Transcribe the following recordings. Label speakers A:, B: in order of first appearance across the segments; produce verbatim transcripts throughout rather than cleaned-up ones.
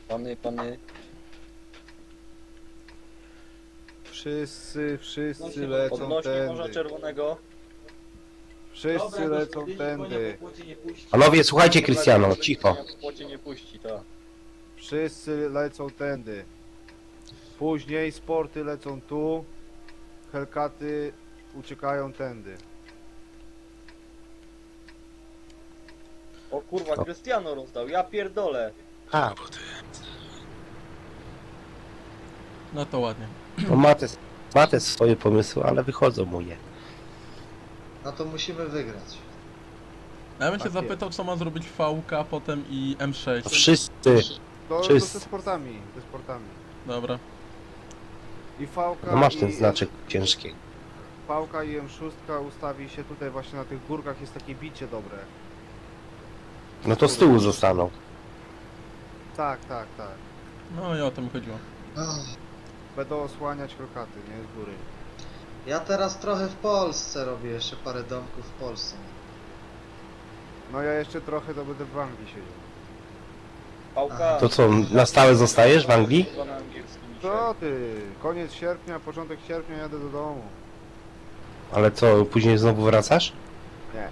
A: Pany, pany.
B: Wszyscy, wszyscy lecą
A: Odnośnie Morza
B: tędy.
A: Czerwonego.
B: Wszyscy lecą tędy.
C: Panowie, słuchajcie, Krystiano, cicho.
A: W płocie nie puści, tak.
B: Wszyscy lecą tędy. Później sporty lecą tu. Hellcaty uciekają tędy.
A: O kurwa, Krystiano rozdał, ja pierdolę.
C: A,
D: No to ładnie.
C: no ma te, ma te swoje pomysły, ale wychodzą mu je.
E: No to musimy wygrać.
D: A ja bym się
B: Tak
D: zapytał, co ma zrobić V K, potem i M sześć.
C: Wszyscy,
B: To, to
C: Wszyscy.
B: ze sportami, ze sportami.
D: Dobra.
B: I Fałka
C: no masz
B: i
C: ten znaczek ciężki.
B: Fałka i M sześć ustawi się tutaj właśnie na tych górkach, jest takie bicie dobre.
C: No to z tyłu zostaną.
B: Tak, tak, tak.
D: No i o to mi chodziło.
E: Ach,
B: Będą osłaniać Hellcaty, nie? Z góry.
E: ja teraz trochę w Polsce robię, jeszcze parę domków w Polsce.
B: No ja jeszcze trochę to będę w Anglii siedział.
A: Pałka.
C: To co, na stałe zostajesz w Anglii?
A: Chyba na angielskim dzisiaj.
B: Co ty? Koniec sierpnia, początek sierpnia jadę do domu.
C: Ale co, później znowu wracasz?
B: Nie.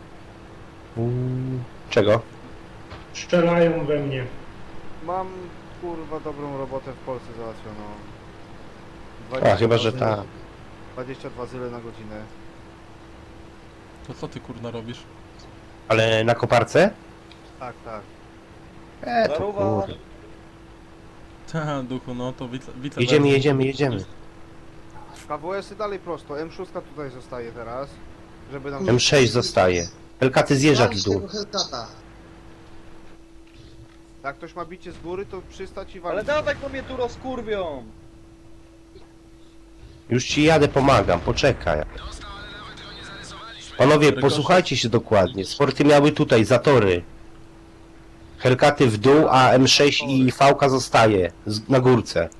C: Mm, czego?
F: Strzelają we mnie.
B: Mam kurwa dobrą robotę w Polsce załatwioną.
C: A, chyba, że
B: zyle-
C: ta.
B: dwadzieścia dwa zyle na godzinę.
D: To co ty kurna robisz?
C: Ale na koparce?
B: Tak, tak.
C: E, to
A: Zaruwa.
C: kurde.
D: Ta duchu, no to wice, wice
C: Jedziemy, jedziemy, jedziemy.
B: K W S-y dalej prosto. M sześć tutaj zostaje teraz. Żeby nam...
C: M sześć zostaje. Hellcaty zjeżdżać w
E: Walcz
C: dół.
E: tego Hellcata.
B: Jak ktoś ma bicie z góry, to przystać i
A: Ale
B: walić.
A: dawaj, bo mnie tu rozkurwią.
C: Już ci jadę, pomagam, poczekaj. Panowie, posłuchajcie się dokładnie. Sporty miały tutaj zatory. Hellcaty w dół, a M sześć i V zostaje z- na górce.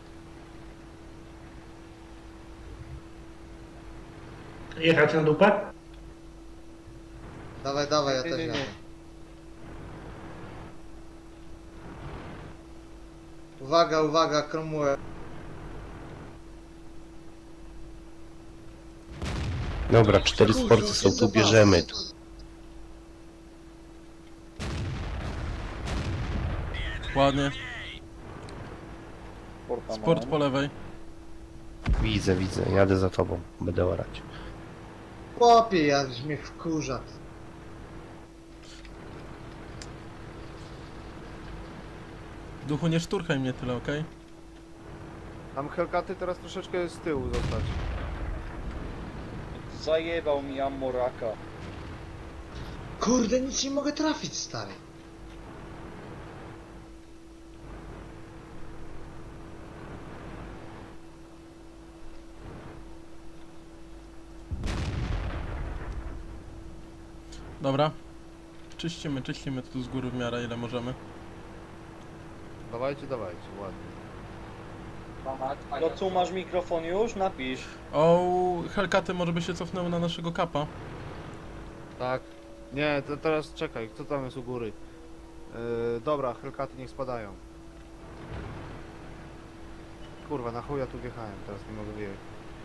F: Jechać na dupę?
E: Dawaj, dawaj, ja
A: Nie,
E: też
A: nie, nie.
E: jadę. Uwaga, uwaga, Cromwell.
C: Dobra, cztery sporty są tu, bierzemy tu.
D: Ładnie.
A: Sporta
D: Sport
A: mam.
D: po lewej.
C: Widzę, widzę, jadę za tobą, będę orać.
E: Chłopie, ja mnie wkurza.
D: Duchu, nie szturchaj mnie tyle, okej?
B: Tam Hellcaty teraz troszeczkę z tyłu zostać.
A: Zajebał mi Amoraka.
E: Kurde, nic nie mogę trafić, stary.
D: Dobra. Czyścimy, czyścimy tu z góry w miarę ile możemy.
B: Dawajcie, dawajcie, ładnie.
A: No co, masz mikrofon już? Napisz.
D: O, Hellcaty może by się cofnęły na naszego kapa.
B: Tak. Nie, to teraz czekaj, kto tam jest u góry? Yy, dobra, Hellcaty niech spadają. Kurwa, na chuja tu wjechałem, teraz nie mogę wyjechać.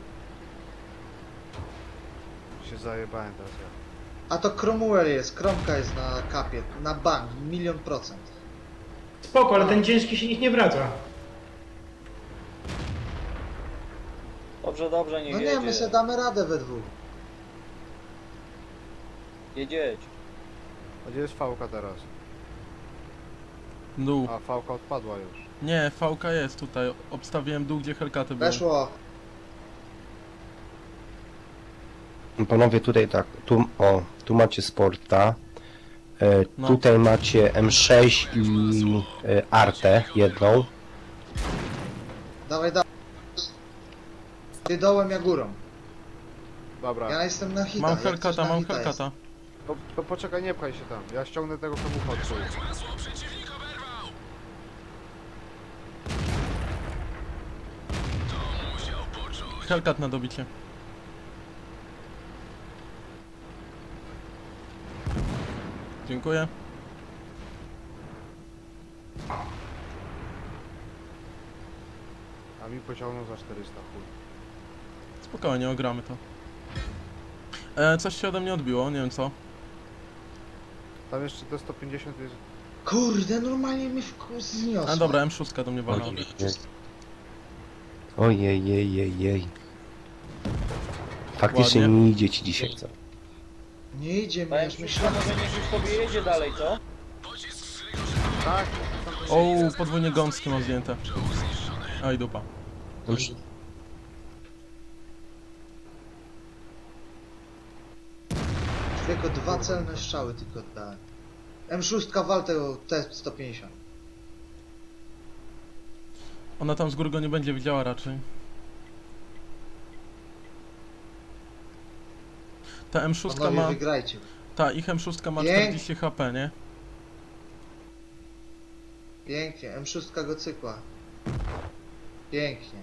B: Się zajebałem teraz ja.
E: A to Cromwell jest, Kromka jest na kapie, na bank, milion procent.
F: Spoko, ale ten ciężki się nikt nie wraca.
A: Dobrze, dobrze, nie
E: No
A: jedzie.
E: nie, my sobie damy radę we dwóch.
A: Jedzieć.
B: A gdzie jest Fałka teraz?
D: Dół.
B: A, Fałka odpadła już.
D: Nie, V K jest tutaj. Obstawiłem dół, gdzie Hellcaty były.
E: Weszło.
C: Panowie, tutaj tak, tu, o, tu macie sporta. E,
D: No.
C: Tutaj macie M sześć i e, Artę jedną.
E: Dawaj, dawaj. Ty dołem, ja górą.
B: Dobra,
E: Ja jestem na hita.
D: Mam
E: jak coś
D: Hellcata,
E: na
D: mam
E: hita jest.
D: Hellcata.
B: to, to poczekaj, nie pchaj się tam. Ja ściągnę tego komucha od tyłu.
D: Hellcat na dobicie. Dziękuję.
B: A mi pociągnął za czterysta, chuj.
D: Spokojnie, ogramy to. E, coś się ode mnie odbiło, nie wiem co.
B: Tam jeszcze te sto pięćdziesiąt jest...
E: Kurde, normalnie mnie wku- zniosło.
D: A dobra, M sześć do mnie walnęła.
C: Ojej, jej, jej, jej. Faktycznie
D: Ładnie.
C: nie idzie ci dzisiaj, co?
E: Nie idzie mi,
A: Powiem
E: aż
A: ci,
E: myślałem.
A: że niech już sobie jedzie dalej, co?
B: Tak!
D: O, podwójnie gąskie mam zdjęte. Oj, dupa.
E: Tylko dwa celne strzały tylko dałem. M sześć wal tego T sto pięćdziesiąt.
D: Ona tam z góry go nie będzie widziała raczej. Ta M sześć
E: Panowie,
D: ma...
E: wygrajcie.
D: Ta, ich M sześć ma
E: Pięk-
D: czterdzieści H P, nie?
E: Pięknie, M sześć go cykła. Pięknie.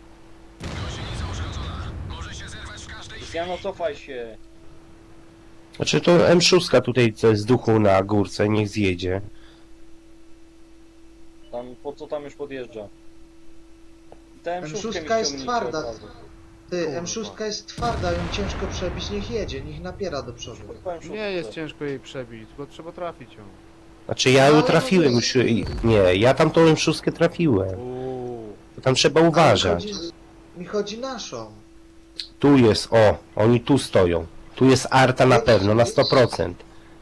A: Jano, cofaj się.
C: Znaczy to M sześć tutaj co jest z duchu na górce, niech zjedzie.
A: Tam, po co tam już podjeżdża? Ta
E: M
A: M
E: sześć
A: sześć
E: jest twarda. Ty,
B: Kurwa.
E: M sześć jest twarda, ją ciężko przebić, niech jedzie, niech napiera do przodu.
B: Nie jest ciężko jej przebić, tylko trzeba trafić ją.
C: Znaczy ja ją trafiłem już, i- nie, ja tam tą M sześć trafiłem.
B: Uuu.
C: To tam trzeba
E: Ale
C: uważać.
E: Mi chodzi, mi chodzi naszą.
C: Tu jest, o, oni tu stoją. Tu jest Arta na pewno, na sto procent.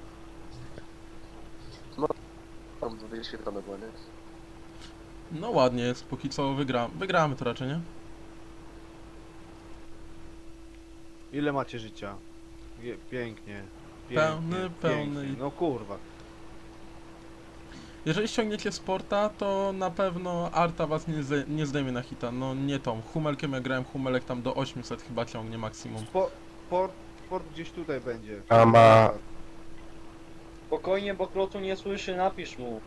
G: Tam wyświetlone było, nie?
D: No ładnie jest, póki co wygra... wygramy to raczej, nie?
B: Ile macie życia? Je, pięknie.
D: Pełny,
B: pięknie,
D: pełny.
B: pięknie. No kurwa.
D: Jeżeli ściągniecie sporta, to na pewno Arta was nie, zde nie zdejmie na hita. No nie tą. Humelkiem ja grałem, Humelek tam do osiemset chyba ciągnie maksimum.
B: Spo, port, port gdzieś tutaj będzie.
C: A ma...
A: Spokojnie, bo Krotu nie słyszy, napisz mu.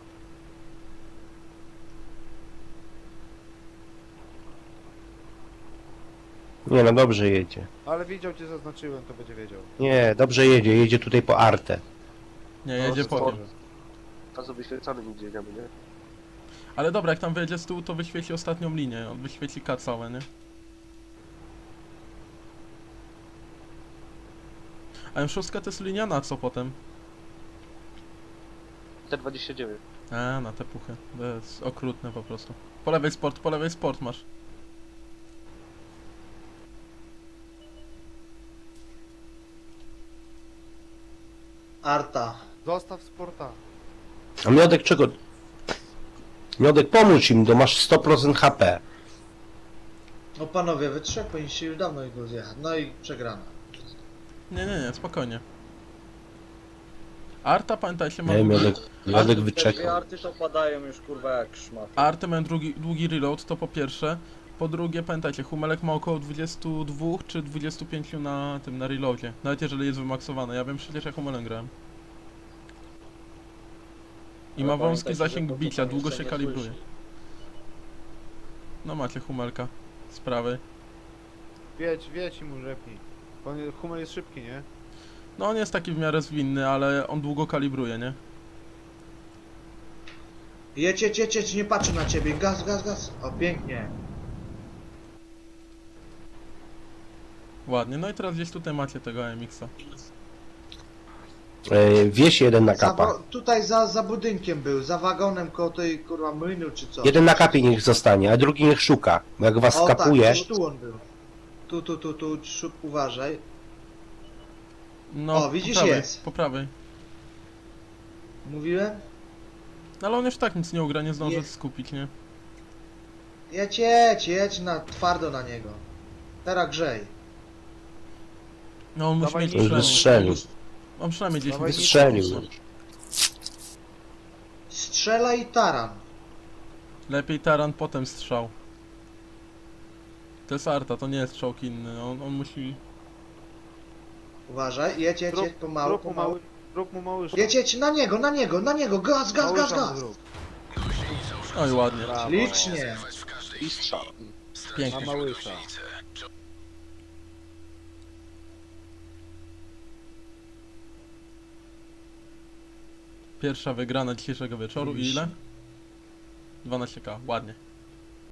C: Nie no, dobrze jedzie.
B: Ale widział cię zaznaczyłem, to będzie wiedział.
C: Nie, dobrze jedzie, jedzie tutaj po Artę.
D: Nie,
B: No,
D: jedzie
B: to
D: po
B: dobrze.
D: tym.
G: Razu wyświetlanym gdzie jedziemy, nie?
D: Ale dobra, jak tam wyjedzie z tyłu, to wyświeci ostatnią linię. On wyświeci K całe, nie? A M sześć to jest linia na co potem?
G: T dwadzieścia dziewięć.
D: A, na te puchy. To jest okrutne po prostu. Po lewej sport, po lewej sport masz.
E: Arta.
B: Zostaw sporta.
C: A Miodek czego? Miodek, pomóż im, to masz sto procent H P.
E: No panowie, wy trzech powinniście już dawno go zjechać. No i przegrana.
D: Nie, nie, nie, spokojnie. Arta, pamiętajcie, ma
C: Nie,
D: długi...
C: Miodek, Miodek
A: Te dwie
C: wyczekał.
A: arty to padają już kurwa jak szmat.
D: Arty mają długi, długi reload, to po pierwsze. Po drugie, pamiętajcie, Humelek ma około dwadzieścia dwa czy dwadzieścia pięć na tym, na reloadzie. Nawet jeżeli jest wymaksowany. Ja wiem przecież jak Humelem grałem. I
A: Ale
D: ma wąski
A: pamiętajcie,
D: zasięg
A: że to
D: bicia,
A: tam
D: długo
A: jeszcze
D: się
A: nie
D: kalibruje.
A: słyszy.
D: No macie Humelka z prawej.
B: Wiedź, wiedź i mu rzepnij. On, Hummel jest szybki, nie?
D: No on jest taki w miarę zwinny, ale on długo kalibruje, nie?
E: Jedź, jedź, jedź, jedź, nie patrzę na ciebie. Gaz, gaz, gaz. O, pięknie.
D: Ładnie, no i teraz gdzieś tutaj macie tego A M X-a.
C: E, wieś jeden na
E: Za,
C: kapa.
E: wo- tutaj za, za budynkiem był, za wagonem koło tej kurwa młynu czy co.
C: Jeden na kapie niech zostanie, a drugi niech szuka. Bo jak was
E: O tak,
C: skapuje,
E: gdzieś tu on był. Tu, tu, tu, tu, szup, uważaj.
D: No,
E: O, widzisz,
D: po prawej,
E: jest.
D: po prawej.
E: Mówiłem?
D: No ale on już tak nic nie ugra, nie zdąży
E: Jest.
D: skupić, nie?
E: Jedź, jedź, jedź na, twardo na niego. Teraz grzej.
D: No on musi
B: Dawaj
D: mieć
B: mi-
C: już
D: przynajmniej...
C: wystrzelił.
D: On przynajmniej gdzieś
B: Dawaj mi-
C: Wystrzelił.
E: Strzela i taran.
D: Lepiej taran, potem strzał. To jest Arta, to nie jest strzał inny. On, on musi...
E: Uważaj, jedź, jedź, jedź, pomału,
B: Zrób mu
E: pomału.
B: mały, zrób mu mały szok.
E: Jedź, jedź, na niego, na niego, na niego, gaz, gaz,
B: Mały
E: gaz,
B: szok
E: gaz.
B: zrób.
D: Oj, ładnie.
B: Brawo.
E: Licznie.
G: I strzał.
B: Na
D: Pięknie.
B: małysza.
D: Pierwsza wygrana dzisiejszego wieczoru i ile? dwanaście K, ładnie.